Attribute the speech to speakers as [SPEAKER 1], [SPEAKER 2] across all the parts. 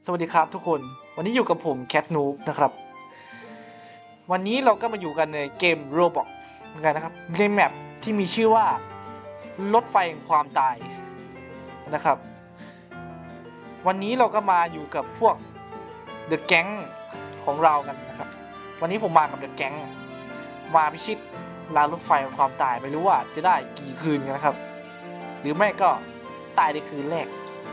[SPEAKER 1] สวัสดีครับทุกคนวันนี้อยู่กับผมแคทนูบนะครับวันนี้เราก็มาอยู่กันในเกม Roblox เหมือนกันนะครับในแมปที่มีชื่อว่ารถไฟแห่งความตายนะครับวันนี้เราก็มาอยู่กับพวก The Gang ของเรากันนะครับวันนี้ผมมากับ The Gang มาพิชิตรางรถไฟแห่งความตายไม่รู้ว่าจะได้กี่คืนกันนะครับหรือไม่ก็ตายในคืนแรก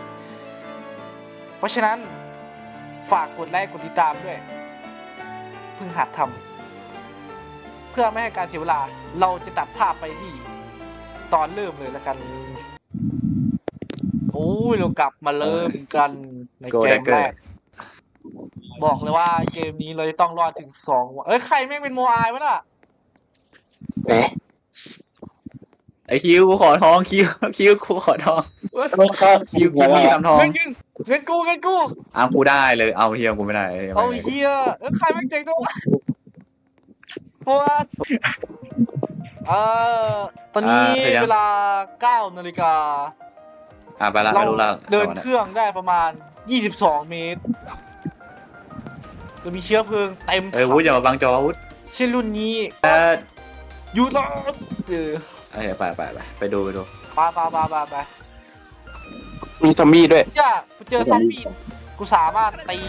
[SPEAKER 1] เพราะฉะนั้นฝากกดไลค์กดติดตามด้วยเพิ่งหัดทำเพื่อไม่ให้การเสียเวลาเราจะตัดภาพไปที่ตอนเริ่มเลยแล้วกันโอ้ยเรากลับมาเริ่มกันในเกมแรกบอกเลยว่าเกมนี้เราจะต้องรอดถึง2 วันใครแม่งเป็นโมอายวะน่ะ
[SPEAKER 2] เอ๊ะ
[SPEAKER 3] ไอคิวกูขอทองคิวกูขอทอง
[SPEAKER 2] ไม่เข้า
[SPEAKER 3] คิวมีทำทอง
[SPEAKER 1] เงินกู
[SPEAKER 3] เอากูได้เลยเอาเฮียกูไม่ได้
[SPEAKER 1] เอาเฮียใครแม่งเจ๋งตัวเพราะว่าตอนนี้เวลา 9 นาฬิกา
[SPEAKER 3] ไปละ
[SPEAKER 1] เรา
[SPEAKER 3] ไม่รู้ละ
[SPEAKER 1] เดินเครื่องได้ประมาณ22 เมตรจะมีเชื้อเพลิงเต็ม
[SPEAKER 3] วุฒิอย่ามาบังจอวุฒิ
[SPEAKER 1] เช่นรุ่นนี้ยูโรไปดู
[SPEAKER 3] ไป
[SPEAKER 2] มีซอมบี้ด้วย
[SPEAKER 1] เชื่อกูเจอซอมบี้กูสามารถตี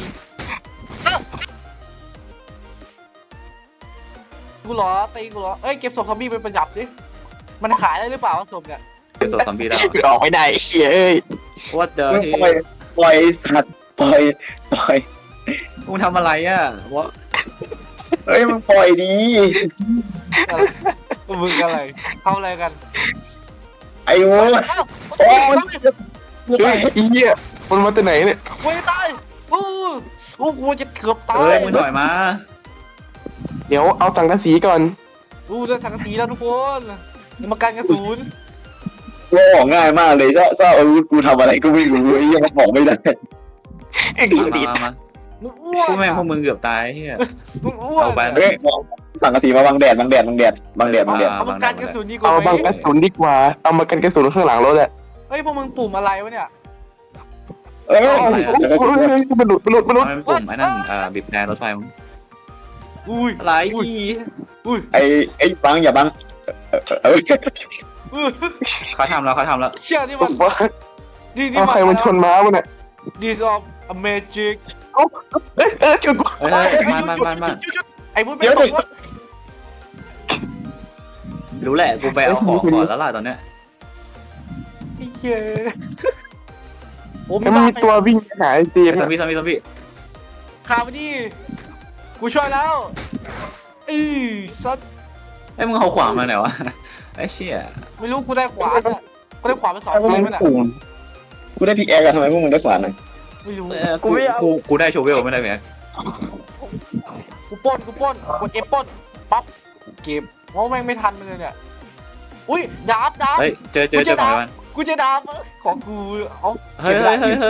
[SPEAKER 1] กูเหรอตีกูเหรอเก็บศพซอมบี้ไปประหยัดดิมันขายได้หรือเปล่าวะศพเนี่ย
[SPEAKER 3] เก็บศพซอมบี้ได้
[SPEAKER 2] ออกไม่ได้เฮ้ย
[SPEAKER 3] ว่าเจอ
[SPEAKER 2] ปล่อยสัตว์ปล่อย
[SPEAKER 3] มึงทำอะไรอ่ะวะ
[SPEAKER 2] เฮ้ยมันปล่อยดี
[SPEAKER 1] อะไรมึงอะไรทำอะไรกัน
[SPEAKER 2] ไอ้โว้ย
[SPEAKER 1] โอ้ย
[SPEAKER 2] เฮ้ยไอ้เหี้ยมันมาจากไหนเนี่ย
[SPEAKER 1] กูจะตายกูจะเกือบตาย
[SPEAKER 3] มึงถอยมา
[SPEAKER 2] เดี๋ยวเอาสังกะสีก่อน
[SPEAKER 1] ได้สังกะสีแล้วทุกคนอย่ามากันกระสุน
[SPEAKER 2] ว่าออกง่ายมากเลยถ้าอาวุธกูทำอะไรก็ไม่รู้ไอ้เหี้ยมันบอกไม่ได้ไอ้กูติด
[SPEAKER 3] มา
[SPEAKER 1] มึงอ้ว
[SPEAKER 3] พวก
[SPEAKER 1] น
[SPEAKER 3] แม่งพวกมึงเกือบตายเฮีย
[SPEAKER 1] มึงอ้วน
[SPEAKER 3] เอาไป
[SPEAKER 2] เฮ้ยสังกะสีมาบังแดด
[SPEAKER 1] เอามากันกระสุนดีกว่า
[SPEAKER 2] เอา
[SPEAKER 1] ไหม
[SPEAKER 2] บังกระสุนดีกว่าเอามากันกระสุนข้างหลังรถแหละ
[SPEAKER 1] เฮ้ยพวกมึงปุ่มอะไรวะเนี่ย
[SPEAKER 2] เอ้ยมันหลุด
[SPEAKER 3] มันปุ่มไอ้นั่นบีบแดนรถไฟมึง
[SPEAKER 1] อุ้ย
[SPEAKER 3] อะไร
[SPEAKER 2] ไอ้บังอย่าบัง
[SPEAKER 3] เขาทำแล้ว
[SPEAKER 1] เชื่อนี่
[SPEAKER 2] ผ
[SPEAKER 1] มัน
[SPEAKER 2] มว่า
[SPEAKER 1] นี่
[SPEAKER 2] เอาใครมันชนม้ามันเนี่ย
[SPEAKER 1] This of a magic
[SPEAKER 2] ชน
[SPEAKER 3] เฮ้ยมา
[SPEAKER 1] ไอ้บุญไม่ตกวะ
[SPEAKER 3] รู้แหละกูไปเอาของก่อนแล้วล่ะตอนเนี้ย
[SPEAKER 1] ไอ้เหี้ยโอ้
[SPEAKER 2] แล้วมันมีตัววิ่งหาไอ้จีน
[SPEAKER 3] ซอมบี้
[SPEAKER 1] ข่าวมาดิกูช่วยแล้วซัด
[SPEAKER 3] ไอ้มึงเอาขวานมาไหนวะไอ้เชี่ย
[SPEAKER 1] ไม่รู้กูได้ขวานอ่ะกูได้ขวานไป2 ทีมั้ยน่ะ
[SPEAKER 2] กูได้พิกแอร์กันทำไมพวกมึงได้ขวานเลย
[SPEAKER 1] ไม่รู้
[SPEAKER 3] กูได้โชเวลไม่ได้ไหม
[SPEAKER 1] กูปล้นกดเอฟปล้นปั๊บเก็บเพราะแม่งไม่ทันเลยเนี่ยอุ้ยดาบ
[SPEAKER 3] เฮ้ยเจอของมัน
[SPEAKER 1] กูจะดาบของกูเอา
[SPEAKER 3] เฮ้ย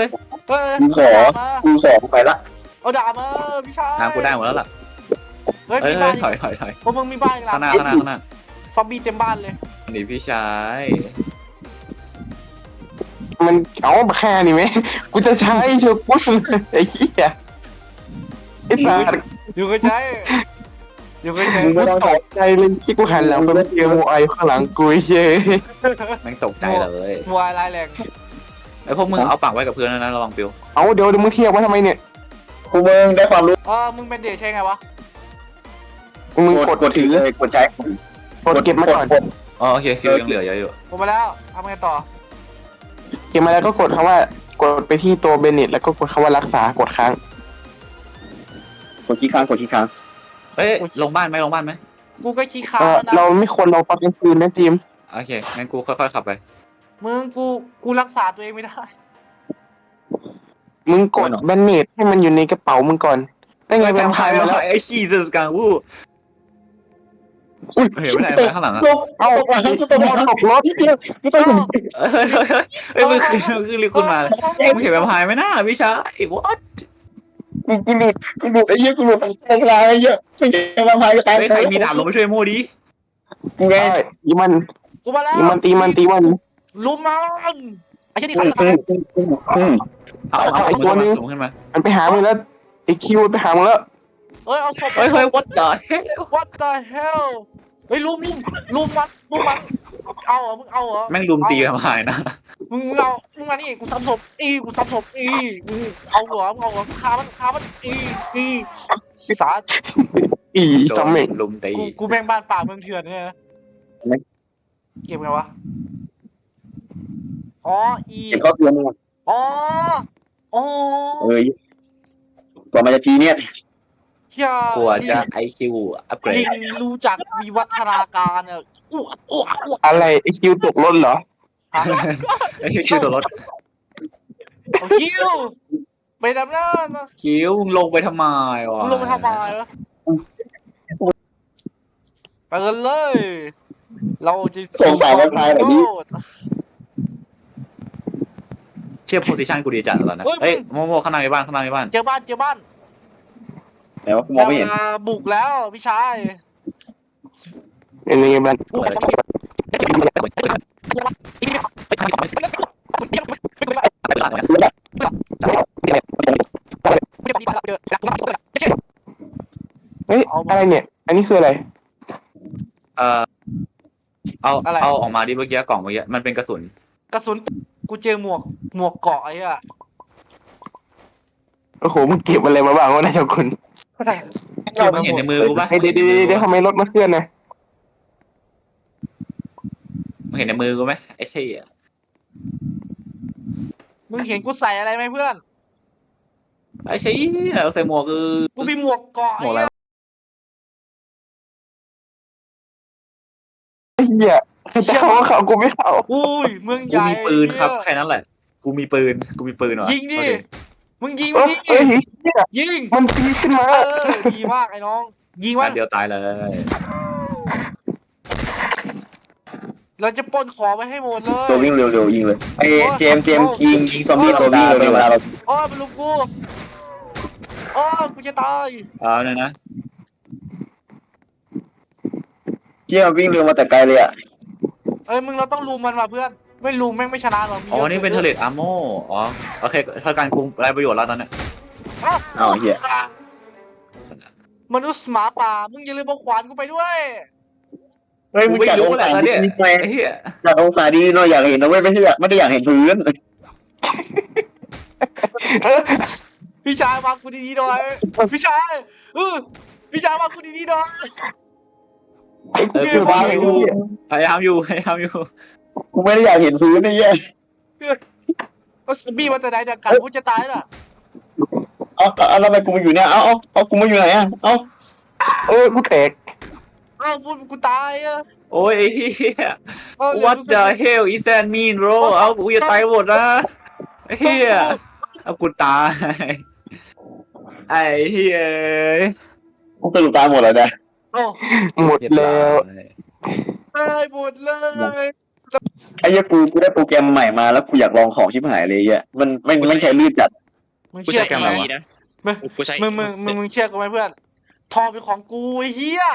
[SPEAKER 2] กูขอไปละ
[SPEAKER 1] เอาดาบมาพี่ชาย
[SPEAKER 3] ทางกูได้หมดแล้วล่ะ
[SPEAKER 1] เฮ้ย
[SPEAKER 3] เฮ้ย
[SPEAKER 1] มีบ้าน
[SPEAKER 3] ถอย
[SPEAKER 1] พวกมึงมีบ้านอีกหลั
[SPEAKER 3] ข้าง งหน้า
[SPEAKER 1] ซอมบี้เต็มบ้านเลย
[SPEAKER 3] นี่พี่ชาย
[SPEAKER 2] มันเอามาแค่นี้ไหมกูจะใช้เชือกปุ๊บไอ้เหี้ยไอ้สัตว์
[SPEAKER 1] อยู่เคยใช้
[SPEAKER 2] กูตกใจเลยที่กูหันหลังไปเจอโมไอข้างหลังกูเย้ย
[SPEAKER 3] แม่งตกใจเลย
[SPEAKER 1] วายร้ายแรง
[SPEAKER 3] ไอ้พวกมึงเอาปักไว้กับเพื่อนนะระวังปิว
[SPEAKER 2] เอาเดี๋ยวมึงเทียบว่าทำไมเนี่ยกูมึงได้ความรู้
[SPEAKER 1] มึงเป็นเดชใช่ไงวะ
[SPEAKER 2] มึงกดถือกดใช้กดเก็บมาก่อน
[SPEAKER 3] อ๋อโอเคฟิวยังเหลือเยอะอยู่
[SPEAKER 1] ผมมาแล้วทำไงต่อ
[SPEAKER 2] เก็บมาแล้วก็กดคำว่ากดไปที่ตัวเบนเน็ตแล้วก็กดคำว่ารักษากดค้างกดขี้ค้าง
[SPEAKER 3] เฮ้ยลงบ้านไหม
[SPEAKER 1] กูก็ขี้ค้านะ
[SPEAKER 2] เราไม่ควรลงตอนกลางคืนนะจิม
[SPEAKER 3] โอเคงั้นกูค่อยๆขับไป
[SPEAKER 1] มึงกูรักษาตัวเองไม่ได้
[SPEAKER 2] มึงกดเบนเน็ตให้มันอยู่ในกระเป๋ามึงก่อนได้ไงแวมไพร์มาแล้ว
[SPEAKER 3] ไอ้ชีสกังวู้เห็นไม่ได้ข้างหลังอ่ะ
[SPEAKER 2] เอาตกรถไม่ต้อง
[SPEAKER 3] เฮ้ยมึงคือรีคุณมาเลยมึงเห็นแวมไพร์ไหมน่าพี่ชาย what
[SPEAKER 2] กูหลุดไอ้เหี้ยกูหลุดอันตรายไอ้เหี้ยไม่ใช่แวมไพร์ก็ตาย
[SPEAKER 3] เฮ้ยใครมีดาบลงไปช่วยโม่ดิ
[SPEAKER 2] กูไงตีมัน
[SPEAKER 1] กูมาแล้ว
[SPEAKER 2] ตีมัน
[SPEAKER 1] ลุมมันไอ้เช่นนี่ใครจะตาย
[SPEAKER 3] เอาตัวนึงขึ้นมา
[SPEAKER 2] มันไปหามึงแล้วไอ้คิวไปหามึงแล้ว
[SPEAKER 1] เฮ้ยเอาศพ
[SPEAKER 3] เฮ้ย what the hell
[SPEAKER 1] What the hell เฮ้ยลุมมันเอาเหรอมึงเอาเหรอ
[SPEAKER 3] แม่งลุมตีกันมานะ
[SPEAKER 1] มึงเอามึงมานี่กูซ้ำศพกูซ้ำศพมึงเอาเหรอฆ่ามันสาด
[SPEAKER 2] อีซอมเมก
[SPEAKER 3] ลุมตี
[SPEAKER 1] กูแม่งบ้านป่าเมืองเถื่อนเนี่ยนะเก็บไงวะอ๋อ
[SPEAKER 4] เห็นข้อเตือนมั้ย
[SPEAKER 1] อ๋อ
[SPEAKER 4] กว่ามันจะจีเนี่ย
[SPEAKER 1] เชี่ย
[SPEAKER 3] กลัวจะ IQ อัปเกร
[SPEAKER 1] ลิ
[SPEAKER 3] ด
[SPEAKER 1] งรู้จักวิวัฒนาการอ่ะอ้วก
[SPEAKER 2] อะไรไอ้คิวตกรถเหรอ
[SPEAKER 1] ฮะ
[SPEAKER 3] ไอ้คิวตัวรถ
[SPEAKER 1] เอาคิวไปดำน้ำนะ
[SPEAKER 3] คิวมึงลงไปทำไมวะ
[SPEAKER 1] มึงลงไปทำไมวะไปกันเลย เราจะ
[SPEAKER 4] ส่งสายไวไฟแบบนี้
[SPEAKER 3] เชื่อโพสิชันกูดีจัดตอนนั้นเอ้ยโมข้างในบ้าน
[SPEAKER 1] เจอบ้าน
[SPEAKER 4] แต่ว่ากูมองไม่เห็น
[SPEAKER 1] วลาบุกแล้วพี่ชาย
[SPEAKER 2] เป็นยังไงบ้าง เฮ้ยอะไรเนี่ย อันนี้คืออะไร
[SPEAKER 3] เอาออกมาดิเมื่อกี้กล่องเมื่อกี้มันเป็นกระสุน
[SPEAKER 1] กระสุนกูเจอหมวกเกาะไอ้อะ
[SPEAKER 2] โอ้โหมึงเก็บอะไรมาบ้างวะนายเจ้าคุณ
[SPEAKER 3] มึงเห็นในมือกูปะ
[SPEAKER 2] เดี๋ยวทำไมรถมาเคลื่อนนะ
[SPEAKER 3] มึงเห็นในมือกูไหมไอ้เชี่ย
[SPEAKER 1] มึงเห็นกูใส่อะไรไหมเพื่อน
[SPEAKER 3] ไอ้เชี่ยเราใส่หมวกคือ
[SPEAKER 1] กูมีหมวกเกาะ
[SPEAKER 3] หมวกอะไร
[SPEAKER 2] ไอ้เหี้ยใครจะเข้าก็เข้ากูไม่เข้า
[SPEAKER 1] อุ้ยเมืองให
[SPEAKER 3] กู
[SPEAKER 1] ญ่
[SPEAKER 3] มีปืนครับแค่นั้นแหละ กูมีปืนว่ะ
[SPEAKER 1] ยิงดิมึงยิง
[SPEAKER 2] เฮ้ย
[SPEAKER 1] ดิ
[SPEAKER 2] เฮ้ยเหี้ย
[SPEAKER 1] ยิง
[SPEAKER 2] มันตีขึ้นมา
[SPEAKER 1] ดีมากไอ้น้อง ยิง
[SPEAKER 3] วั
[SPEAKER 1] มัน
[SPEAKER 3] นเดียวตายเลย
[SPEAKER 1] เราจะปล้นของไปให้หมดเล
[SPEAKER 4] ตัวย วิ่งเร็วๆยิงเลยไอ้เจมส์ยิงซอมบี้ตัววิ่งเลยเวลาเรา
[SPEAKER 1] โอ้ยมันลุมกูโอ้ยกูจะตาย
[SPEAKER 3] เอาเลยนะ
[SPEAKER 4] เชี่ยวิ่งเร็วมาแต่ไกลเลยอ่ะ
[SPEAKER 1] เอ้ยมึงเราต้องลุมมันว่ะเพื่อน ไม่ลุมแม่งไม่ชนะหรอก
[SPEAKER 3] อ๋อนี่เป็นเทเลตอาร์โมอ๋อโอเคเท่ากันกูไรประโยชน์แล้วตอนเนี้ย
[SPEAKER 4] อ้าวเหี้ย
[SPEAKER 1] มนุษย์หมาป่า มึงอย่าลืมเอาขวานกูไปด้วย
[SPEAKER 4] เฮ้ย
[SPEAKER 3] กู
[SPEAKER 4] มึง
[SPEAKER 3] ไม่
[SPEAKER 4] จัด
[SPEAKER 3] รู้
[SPEAKER 4] อง
[SPEAKER 3] แหละ
[SPEAKER 4] ศา
[SPEAKER 3] ตอน
[SPEAKER 4] ดี
[SPEAKER 3] เนี้ย
[SPEAKER 4] ไป
[SPEAKER 3] ไอ้เหี้ย
[SPEAKER 4] จัดองศาดีหน่อยอยากเห็นนะเว้ยไม่ได้อยากเห็นพื้น
[SPEAKER 1] พี่ชายวางกูดีๆหน่อยพี่ชายพี่ชายวางกูดีๆหน่อย
[SPEAKER 2] ไอ้กูเก็บ
[SPEAKER 3] กู
[SPEAKER 2] ไว้ไอ้เหี้ย
[SPEAKER 3] พยายามอยู่
[SPEAKER 4] กูไม่ได้อยากเห็นพื้นนี่แย่
[SPEAKER 1] เอาซอมบี้มาแต่ไหนเนี่ยกัดกูจะตายน่ะ
[SPEAKER 4] เอาแล้วทำไมกูมาอยู่เนี่ยเอากูมาอยู่ไหนอ่ะเอา
[SPEAKER 2] กูแตก
[SPEAKER 1] เอ้ากูตายอ่ะ
[SPEAKER 3] โอ้ยไอ้เหี้ย
[SPEAKER 1] เอ้า
[SPEAKER 3] What the hell is that mean bro เอากูจะตายหมดนะไอ้เหี้ยเอากูตายไอ้เหี้ย
[SPEAKER 4] กูสรุปตายหมดแล้วเนี่ย
[SPEAKER 1] โอ้
[SPEAKER 2] หมดแล้ว
[SPEAKER 1] ตายหมดเลย
[SPEAKER 4] ไอ้เหี้ยกูได้โปรแกรมใหม่มาแล้วกูอยากลองของชิบหายเลยอ่ะมันไม่ใช่ลื่นจัด
[SPEAKER 1] มึง
[SPEAKER 3] กู
[SPEAKER 1] เชื่
[SPEAKER 3] ใช้
[SPEAKER 1] อ
[SPEAKER 3] แก
[SPEAKER 1] กู
[SPEAKER 3] ม
[SPEAKER 1] ไหม
[SPEAKER 3] อะไรวะ
[SPEAKER 5] กูใช้
[SPEAKER 1] มึงเชื่อกูไหมเพื่อนทองเป็นของกูไอ้เหี้ย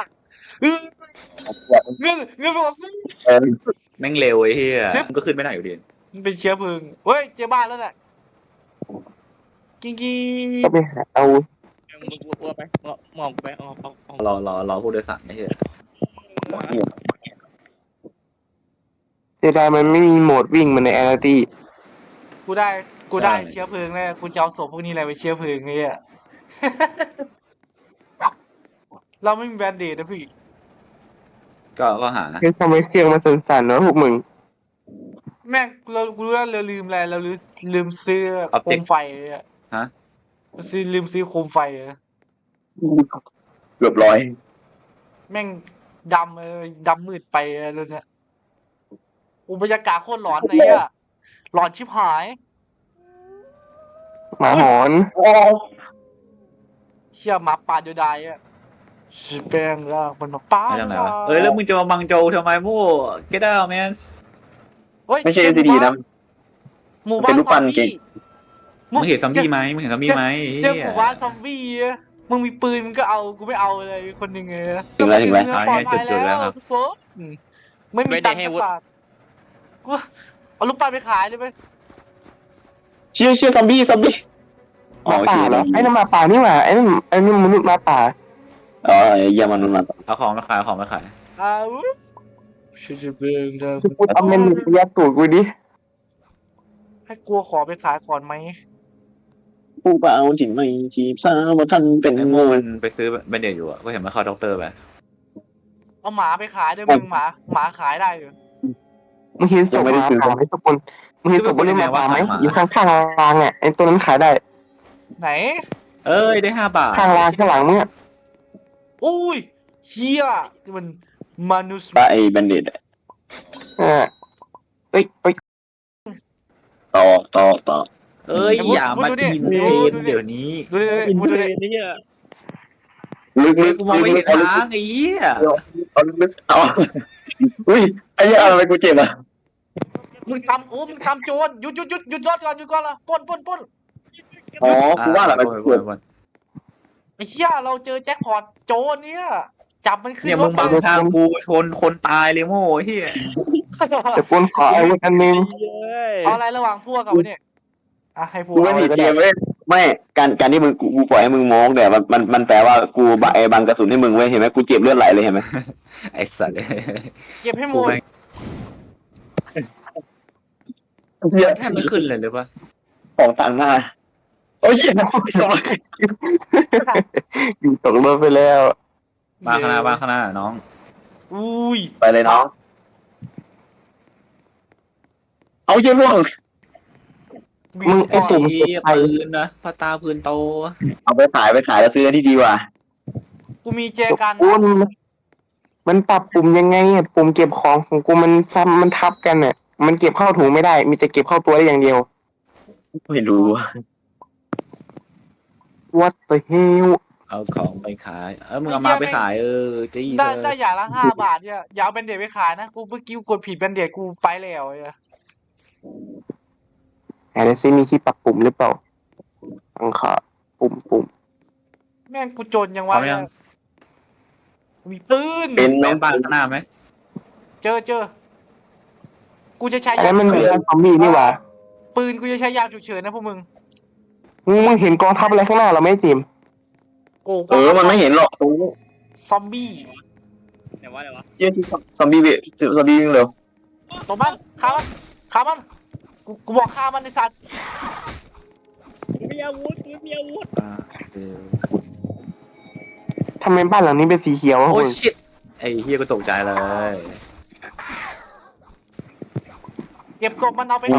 [SPEAKER 1] เงินเป็นของกู
[SPEAKER 3] แม่งเร็วไอ้เหี้ยมึงก็ขึ้นไม่ได้อยู่ดี
[SPEAKER 1] มันเป็นเชื้อเพลิงเฮ้ยเจอบ้านแล้วแหละกิ้งกิ้ง
[SPEAKER 2] ก็ไปหาเอา
[SPEAKER 5] มึงกูไปมองไปเอา
[SPEAKER 3] รอผู้โดยสารไอ้เหี้ย
[SPEAKER 2] เสียดายมันไม่มีโหมดวิ่งเหมันในแอร์ตี้
[SPEAKER 1] กูได้เชื้อเพลิงแน่กูจะเอาศพพวกนี้อะไรไปเชื้อเพลิงไอ้เหี้ย เราไม่มีแบนเดดนะพี่
[SPEAKER 3] ก็หา
[SPEAKER 2] คือทำไมเครื่องมันสั่นๆเนาะพวกมึง
[SPEAKER 1] แม่งกูรู้ว่าเราลืมอะไรเราลืมซื้อโคมไฟอะ
[SPEAKER 3] ฮะ
[SPEAKER 1] ลืมซื้อโคมไฟอะ
[SPEAKER 4] เกือบร้อย
[SPEAKER 1] แม่งดำมืดไปอะไรเนี่ยบรรยากาศโคตรหลอนไอ้อะหลอนชิบหาย
[SPEAKER 2] หมาหอน
[SPEAKER 1] เชี่ยหมาป่าเดียวดายอะชิแปงล่างมันมาป้า
[SPEAKER 3] ไม่ทำไรวะแล้วมึงจะมาบังโจทำไมมู่ get out man
[SPEAKER 1] เฮ้ย
[SPEAKER 4] ไม่ใช่ซีดีนะ
[SPEAKER 1] หมู่บ้า
[SPEAKER 4] เป็น นรูปปั้
[SPEAKER 1] ซอน ม
[SPEAKER 4] เก่
[SPEAKER 1] บี้
[SPEAKER 4] ง
[SPEAKER 3] มึงเห็นซอมบี้ไหมมึงเห็นซอมบี้ไหม
[SPEAKER 1] เจอหมู่บ้านซอมบี้อะมึงมีปืนมึงก็เอากูไม่เอาเลยคนหนึ่งเลย
[SPEAKER 4] ถึงแล้ว
[SPEAKER 1] ปลอดภัยแล้วทุกคนไม่มีตังค์สักบาทกูเอาลูกปั้นไปขายเลยไหม
[SPEAKER 4] เชี่ยซอมบี้
[SPEAKER 2] หมาป่าเหรอไอ้นั่นหมาป่านี่หว่าไอ้นั่นมนุษย์หมาป่า
[SPEAKER 4] อ๋อเยี่ยมมันมา
[SPEAKER 3] เอาของมาขายเอาของมาขาย
[SPEAKER 1] อ้าวชิจะเบิ่งเดิม
[SPEAKER 2] จะพูดเอาเมนูไปยัดตูดกูดิ
[SPEAKER 1] ให้กลัวขอไปขายก่อนไหม
[SPEAKER 4] ผู้เปล่าที่ไม่จีบสาวว่าท่านเป็น
[SPEAKER 3] ไอ้โม่มันไปซื้อแบนเดดอยู่อ่ะก็เห็นมันเข้าด็อกเตอร์ไป
[SPEAKER 1] เอาหมาไปขายด้วยมึงหมาขายได้เลย
[SPEAKER 2] มึงเห็นศพหมาป่าไหมทุกคนมึงเห็นศพบนหมาป่าไหมอยู่ข้างๆรางอ่ะไอ้ตัวนั้นขายได้
[SPEAKER 1] ไหน
[SPEAKER 3] เอ้ยได้5 บาท
[SPEAKER 2] ข้างรางข้างหลังมึงอ่ะ
[SPEAKER 1] อุ้ยเชี่ยนี่มันมนุษย์
[SPEAKER 4] ปะไอ้แบนเด็ด
[SPEAKER 2] เอ้ย
[SPEAKER 4] ต่อ
[SPEAKER 3] เอ้ยอย่ามากินเทรนเดี๋ยวนี้
[SPEAKER 1] ดูดิ
[SPEAKER 5] อิน
[SPEAKER 1] ดู
[SPEAKER 5] เทอร์
[SPEAKER 1] ดิ
[SPEAKER 5] เน็ตนี่อ่ะ
[SPEAKER 4] ลึก
[SPEAKER 3] เฮ้ยกูมองไม่เห็นทางไอ้เหี้ย
[SPEAKER 4] เอาอุ้ยไอ้เหี้ยอะไรกูเจ็บอ่ะ
[SPEAKER 1] มึงทำโจรหยุดรถก่อนหยุดก่อนละปล้น
[SPEAKER 4] อ๋อกูว่าแหละมันเจ็บ
[SPEAKER 1] ไอ้เชี่ยเราเจอแจ็คพอตโจรเนี่ยจับมันขึ้น
[SPEAKER 3] เนี่ย
[SPEAKER 1] ร
[SPEAKER 3] มึ
[SPEAKER 1] ถ
[SPEAKER 3] งบังทางกูชนคนตายเลยโม่เหี้ย
[SPEAKER 2] แต่ปนขออาวุธอันนึง
[SPEAKER 5] เย้ย
[SPEAKER 1] เอาอะไรระหว่างพวกกับวะเนี่ยอ่ะให้พวก
[SPEAKER 4] กูไม่ผิดเกมเว้ยไม่การที่มึงกูปล่อยให้มึงมองแต่มันแปลว่ากูบังกระสุนให้มึงเว้ยเห็นไหมกูเจ็บเลือดไหลเลยเห็นไหม
[SPEAKER 3] ไอ้สัตว์
[SPEAKER 1] เก็บให้หม
[SPEAKER 3] กู
[SPEAKER 1] ด
[SPEAKER 3] แม่งแทบไม่ขึ้นเลยหรือปะ
[SPEAKER 4] ของต่างหน้าโอ้ย
[SPEAKER 2] อยู่ตกรถไปแล้ว
[SPEAKER 3] บ้านข้างหน้าน้อง
[SPEAKER 1] อุ้ย
[SPEAKER 4] ไปเลยน้องเอาเยี่ยร่วง
[SPEAKER 2] มึงไอ้สุ่ม
[SPEAKER 3] ไอ้ปืนนะพาตาปืนโต
[SPEAKER 4] เอาไปขายแล้วซื้อที่ดีกว่า
[SPEAKER 1] กูมีแจกัน
[SPEAKER 2] ปุ่นมันปรับปุ่มยังไงอ่ะปุ่มเก็บของของกูมันซ้ำมันทับกันอ่ะมันเก็บเข้าถุงไม่ได้ มีแต่เก็บเข้าตัวได้อย่างเดียว
[SPEAKER 4] ไม่รู้
[SPEAKER 2] What the hell
[SPEAKER 3] เอาของไปขายมึงเอามาไปขายจี้
[SPEAKER 1] ได้อย่างละ5 บาทเนี่ยอย่าเอาแบนเดดไปขายนะกูเมื่อกี้กูกดผิดแบนเดดกูไปแล้วเนี่ย
[SPEAKER 2] ไหนซิมีที่ปรับปุ่มหรือเปล่าต้องขอปุ่ม
[SPEAKER 1] แม่งกูจนยังวะเนี่ยมีปืน
[SPEAKER 4] เป็น
[SPEAKER 3] แม่
[SPEAKER 4] น้อง
[SPEAKER 3] บ้านข้างหน้าไหม
[SPEAKER 1] เจอกูจะใช้
[SPEAKER 2] อัน
[SPEAKER 1] ยา
[SPEAKER 2] นั้นมัน
[SPEAKER 1] ฉุ
[SPEAKER 2] มี
[SPEAKER 1] กเฉิน
[SPEAKER 2] ซอมบี้นี่หว่า
[SPEAKER 1] ปืนกูจะใช้ยาฉุกเฉินนะพวกมึง
[SPEAKER 2] มึงเห็นกองทัพอะไรข้างหน้าเราไหม่จิม
[SPEAKER 1] โอ้
[SPEAKER 4] มันไม่เห็นหรอกตรงนี้
[SPEAKER 1] ซอมบี้
[SPEAKER 5] ไหนวะ
[SPEAKER 4] เยี่ยที่ซอมบี้วิ่งเร็ว
[SPEAKER 1] ตัวมันฆ่ามันกูบอกฆ่ามันในสัตว์
[SPEAKER 5] มีอาวุธมีอาวุธ
[SPEAKER 2] ทำไมบ้านหลังนี้เป็นสีเขียววะ
[SPEAKER 3] โอ้
[SPEAKER 2] มึง
[SPEAKER 3] ชิตไอ้เฮียก็ตกใจเลย
[SPEAKER 1] เก็บศพมันเอาไป
[SPEAKER 2] กู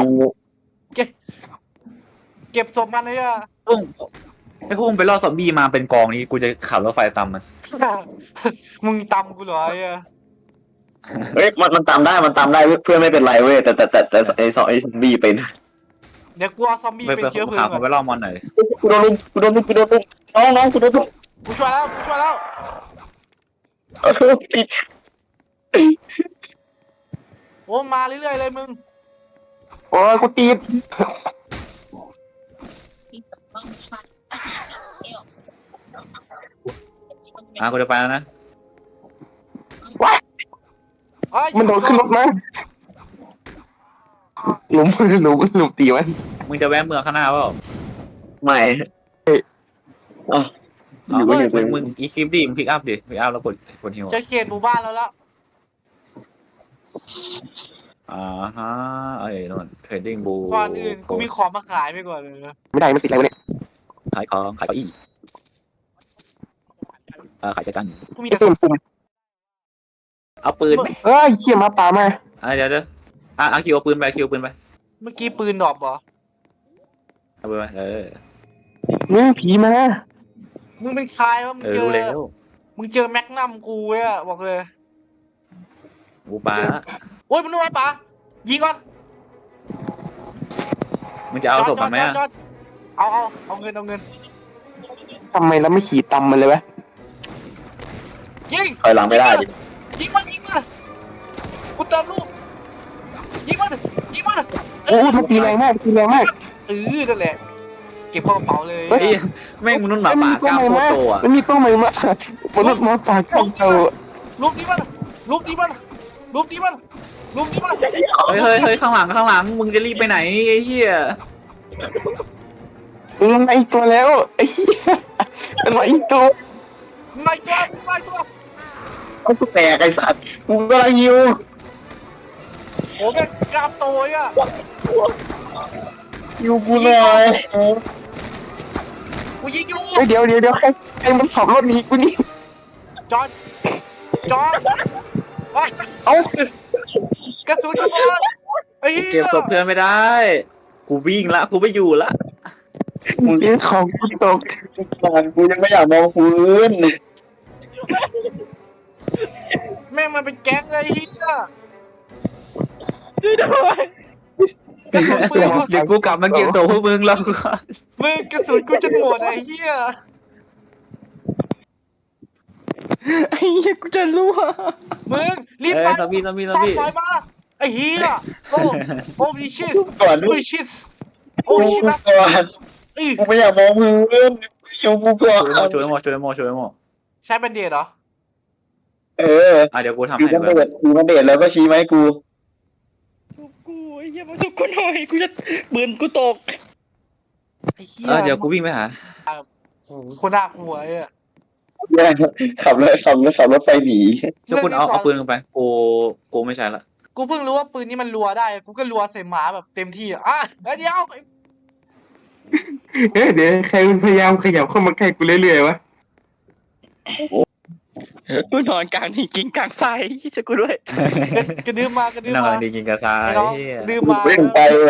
[SPEAKER 1] เก็บศพมันเลยอะ
[SPEAKER 3] พุ่งไอ้พุ่งไปล่อซอมบี้มาเป็นกองนี้กูจะขับรถไฟตามมัน
[SPEAKER 1] มึงตำกูเหรอไอ้อะ
[SPEAKER 4] เฮ้ยมันตามได้เพื่อนไม่เป็นไรเว้ยแต่ไอ้ซอมบี้เป็น
[SPEAKER 1] เดี๋ยวกูเอาซอมบี้
[SPEAKER 3] ไป
[SPEAKER 1] เป็นเชื้อเพลิ
[SPEAKER 3] ขั
[SPEAKER 1] ง
[SPEAKER 3] บ
[SPEAKER 1] ก่อน
[SPEAKER 3] ไปล่อมอนหน่อย
[SPEAKER 4] กูโดนลุมน้องกูโดนลุม
[SPEAKER 1] กูช่วยแล้ว
[SPEAKER 4] ปิด
[SPEAKER 1] โอ้มาเรื่อยๆเลยมึง
[SPEAKER 2] โอ้ยกูตีด
[SPEAKER 3] กูจะไปแล้วนะ
[SPEAKER 1] เอ้ย
[SPEAKER 2] มันโดดขึ้นรถมาหลุมตีมัน
[SPEAKER 3] มึงจะแวะเมืองข้างหน้าเปล่า
[SPEAKER 4] ไม่
[SPEAKER 3] มึงอีคลิปดิมึงพิกอัพดิพิกอัพแล้วกดฮิว
[SPEAKER 1] เจอเขตหมู่บ้านแล้ว
[SPEAKER 3] ฮะเอ้ยนู่นเทรดดิ้งบู
[SPEAKER 1] ก่อนอื่นกูมีของมาขายไปก่อนเลยนะ
[SPEAKER 2] ไม่ได้มันติดอะไรวะเนี่ย
[SPEAKER 3] ขายของขายเก้าอี้ขายจักรกัน
[SPEAKER 1] กูมี
[SPEAKER 2] ไอ้
[SPEAKER 1] แต่
[SPEAKER 2] ปุ่ม
[SPEAKER 3] เอาปืนไหม
[SPEAKER 2] เอ้ยเขี่ยมาป่ามา
[SPEAKER 3] เดี๋ยวคิวเอาปืนไปคิวปืนไป
[SPEAKER 1] เมื่อกี้ปืนดรอปเหรอ
[SPEAKER 3] เอาปืนไป
[SPEAKER 2] มึงผีมา
[SPEAKER 1] มึงเป็นใครวะมึงเจ
[SPEAKER 3] รู้
[SPEAKER 1] อ
[SPEAKER 3] แล้ว
[SPEAKER 1] มึงเจอแม็กนัมกูเนี่ยบอกเลย
[SPEAKER 3] กูปา
[SPEAKER 1] โอ้ยมึงรู้ไหมป๋ายิงก่อน
[SPEAKER 3] มึงจะเอาศพมันไหม
[SPEAKER 1] จอดเอาเงิน
[SPEAKER 2] ทำไมเราไม่ขี่ตำมันเลยวะ
[SPEAKER 1] ยิง
[SPEAKER 4] ถอยหลังไม่ได้ดิ
[SPEAKER 1] ยิงมันกูเติมลูกยิงมัน
[SPEAKER 2] โอ้มันตีแรงมาก
[SPEAKER 1] นั่นแหละเก็บเข้ากระเป๋าเลย
[SPEAKER 3] เฮ้ยแม่งมนุษย์หมาป่ากล้ามโคตรโตอ่ะ
[SPEAKER 2] มันมีกล้องใหม่มาบนรถมาป่ากล้องโต
[SPEAKER 1] ลูกนี้มัน
[SPEAKER 3] เฮ้ยข้างหลังมึงจะรีบไปไหนไอ้เหี้ย
[SPEAKER 2] มันมาอีกตัวแล้วไอ้เหี้ยมันมาอีกตัว
[SPEAKER 1] ไม่ตัวไม่ตัว
[SPEAKER 4] เอากูแตกไอ้สัตว์กูกำลังยิว
[SPEAKER 1] โอ้แม่งกล้ามโตอ่ะ
[SPEAKER 4] ยิวกูหน่อย
[SPEAKER 1] กูยิงอยู่
[SPEAKER 2] เฮ้ยเดี๋ยวใครมันขับรถหนีกูนี่
[SPEAKER 1] จอดโอ๊ย
[SPEAKER 2] เอ้าก
[SPEAKER 1] ระสุนกูหมดไอ้เหี้ย
[SPEAKER 3] เก็บศพเพื่อนไม่ได้ กูวิ่งละกูไม่อยู่ละ
[SPEAKER 2] มึงเลี้ยงของกูตก
[SPEAKER 4] กูยังไม่อยากมองพื้น
[SPEAKER 1] แม่งมันเป็นแก๊งเลยไอ้เหี้ย
[SPEAKER 5] ช่วยด้วย
[SPEAKER 1] กระสุนปืน
[SPEAKER 3] เดี๋ยวกูกลับมาเก็บศพพวกมึงแล้วกู
[SPEAKER 1] มึงกระสุนกูจะหมดไอ้เหี้ย
[SPEAKER 2] ไอ้เหี้ยกูจะรั่ว
[SPEAKER 1] มึงรีบ
[SPEAKER 3] เอ้
[SPEAKER 1] ไป
[SPEAKER 3] ยซอมบี้ซอมบี้ซอม
[SPEAKER 1] ซ่อม
[SPEAKER 3] บี้
[SPEAKER 1] ไฟมาไอ้เหี้ยโอ้ดิชิส
[SPEAKER 4] ก่อน
[SPEAKER 1] โอ้ดิชิสโอ้ดิชิส
[SPEAKER 4] ก่อน
[SPEAKER 1] อี
[SPEAKER 4] กูไม่อยากมองพื้นยิวกูก่อน
[SPEAKER 3] ช่วยหมอช่วยหมอช่วยหมอ
[SPEAKER 1] ใช้แบนเดดเหรอ
[SPEAKER 4] เออ
[SPEAKER 3] เดี๋ยวกูทำ
[SPEAKER 4] อยู่
[SPEAKER 3] ให้
[SPEAKER 4] มัน
[SPEAKER 3] เพื่
[SPEAKER 4] เด็
[SPEAKER 3] อน
[SPEAKER 4] ดอยู่มันเด็ดแล้วก็ชี้มาให้กู
[SPEAKER 5] ชุบกูไอ้เหี้ยมาชุบกูหน่อยกูจะปืนกูตก
[SPEAKER 1] ไอ้เหี้ย
[SPEAKER 3] เดี๋ยวกูวิ่งไปหา
[SPEAKER 1] โอ้โหคนน่ากลัวไอ้อะ
[SPEAKER 4] ขับรถไฟหนี
[SPEAKER 3] ช่วยคุณเอาปืนลงไปกูไม่ใช่ละ
[SPEAKER 1] กูเพิ่งรู้ว่าปืนนี้มันรัวได้กูก็รัวใส่หมาแบบเต็มที่อ่ะเดี๋ยว
[SPEAKER 2] เดี๋ยวใครมันพยายามขยับเข้ามาใกล้กูเรื่อยๆวะ
[SPEAKER 5] กูนอนกลางที่กิ้งกลางทรายช่วยกูด้วย
[SPEAKER 1] กระดื้อมากระดื้อ
[SPEAKER 3] นั่ง
[SPEAKER 1] มา
[SPEAKER 3] ดีกินกระซา
[SPEAKER 1] ไอ้
[SPEAKER 3] ย
[SPEAKER 1] น้อง
[SPEAKER 3] เหี้ย
[SPEAKER 1] กระดื้อมา
[SPEAKER 4] เร่งไปเลย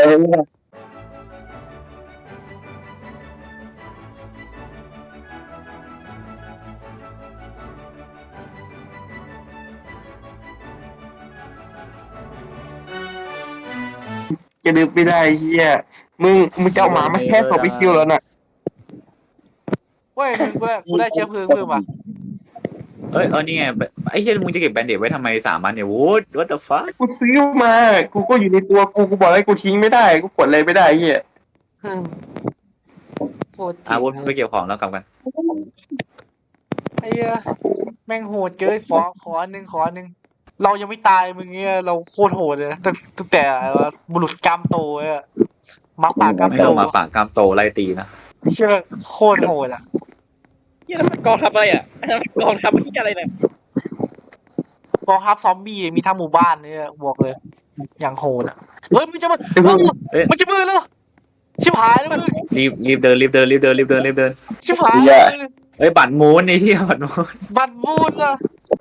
[SPEAKER 2] จะดึงไม่ได้เหี้ยมึงจะเอาหมามาแค่ศพไปคิวแล้วน่ะ
[SPEAKER 1] เว้ยมึงกูได้เชื้อเพลิงเพิ่มอ่ะ
[SPEAKER 3] เอ้ยนี่ไงไอ้เหี้ยมึงจะเก็บแบนเดดไว้ทำไม3 อันเนี่ย what the fuck
[SPEAKER 2] กูซื้อมากูก็อยู่ในตัวกูบอกให้กูทิ้งไม่ได้กูกดอะไรไม่ได้เหี้ย
[SPEAKER 1] โหดจริ
[SPEAKER 3] อาวุธ
[SPEAKER 1] ง
[SPEAKER 3] ไปเก็บของแล้วกลับกัน
[SPEAKER 1] ไอ้เหี้ยแม่งโหดเกินขออันหนึ่งเรายังไม่ตายมึงเงี้ยเราโคตรโหดเลยนะตั้งแต่บุรุษกรรมโตอ่ะมักปากกรรม
[SPEAKER 3] ไม่
[SPEAKER 1] โต
[SPEAKER 3] ต้องมาปากกามโตไล่ตีนะ
[SPEAKER 1] เชื่อโคตรโหดอ่ะ
[SPEAKER 5] เหี้ยแล้วมันกองทัพอะไรอ่ะอันนั้นกองทัพที่อะไรเนี่ย
[SPEAKER 1] กองทัพซอมบี้มีทั้งหมู่บ้านเนี่ยบอกเลย อย่างโหดอ่ะเฮ้ยมันจะมามันจะมือแล้วชิบหายแล้วมึง
[SPEAKER 3] รีบเดิน
[SPEAKER 1] ชิบหาย
[SPEAKER 3] เอ้ยบัตรมูนไอ้เหี้ยบัตรมูน
[SPEAKER 1] บัตรบูนอ่ะ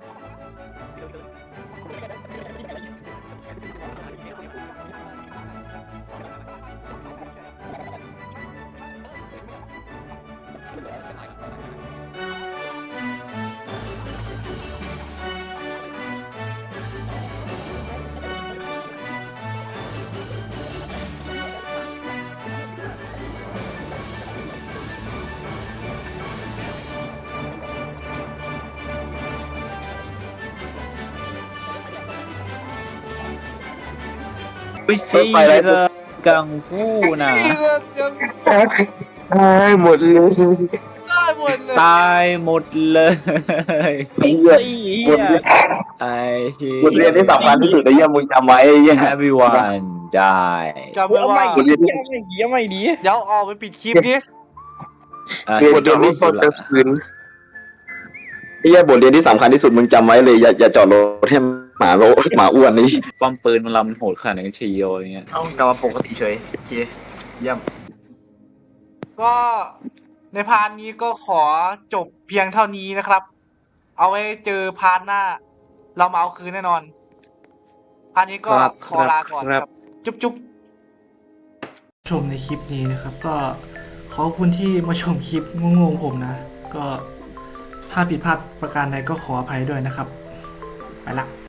[SPEAKER 3] ไม่ใช่กังฟูนะ
[SPEAKER 1] ยัง
[SPEAKER 2] ตายหมดเลย
[SPEAKER 1] ได้หมดเลย
[SPEAKER 3] ตายหมดเลย
[SPEAKER 4] ไอ้เหี้ย
[SPEAKER 5] ไอ้เหี้ย
[SPEAKER 3] ไอ้ชี
[SPEAKER 4] บทเรียนที่สำคัญที่สุดไอ้เหี้ยมึงจำไว้ไอ้เหี้ย
[SPEAKER 3] everyone die
[SPEAKER 1] จำไว้ว่า
[SPEAKER 5] เอาไม่ดี
[SPEAKER 1] เดี๋ยวออกไปปิดคลิปดิ
[SPEAKER 2] เรียนจนรู้ต้นจะคืน
[SPEAKER 4] ไอ้เหี้ยบทเรียนที่สำคัญที่สุดมึงจำไว้เลยอย่าจอดรถให้หมาอ้วนนี่
[SPEAKER 3] ป้อมปืนมันลำโหดขนาดไหนชีโออย่างเงี้ย
[SPEAKER 6] เอ้ากลับมาปกติเฉยโอเคเยี่ยม
[SPEAKER 1] ก็ในพาร์ทนี้ก็ขอจบเพียงเท่านี้นะครับ เอาไว้เจอพาร์ทหน้า เรามาเอาคืนแน่นอน พาร์ทนี้ก็ขอลาก่อนครับ จุ๊บชมในคลิปนี้นะครับ ก็ขอบคุณที่มาชมคลิปงงๆผมนะ ก็ถ้าผิดพลาดประการใดก็ขออภัยด้วยนะครับ ไปละ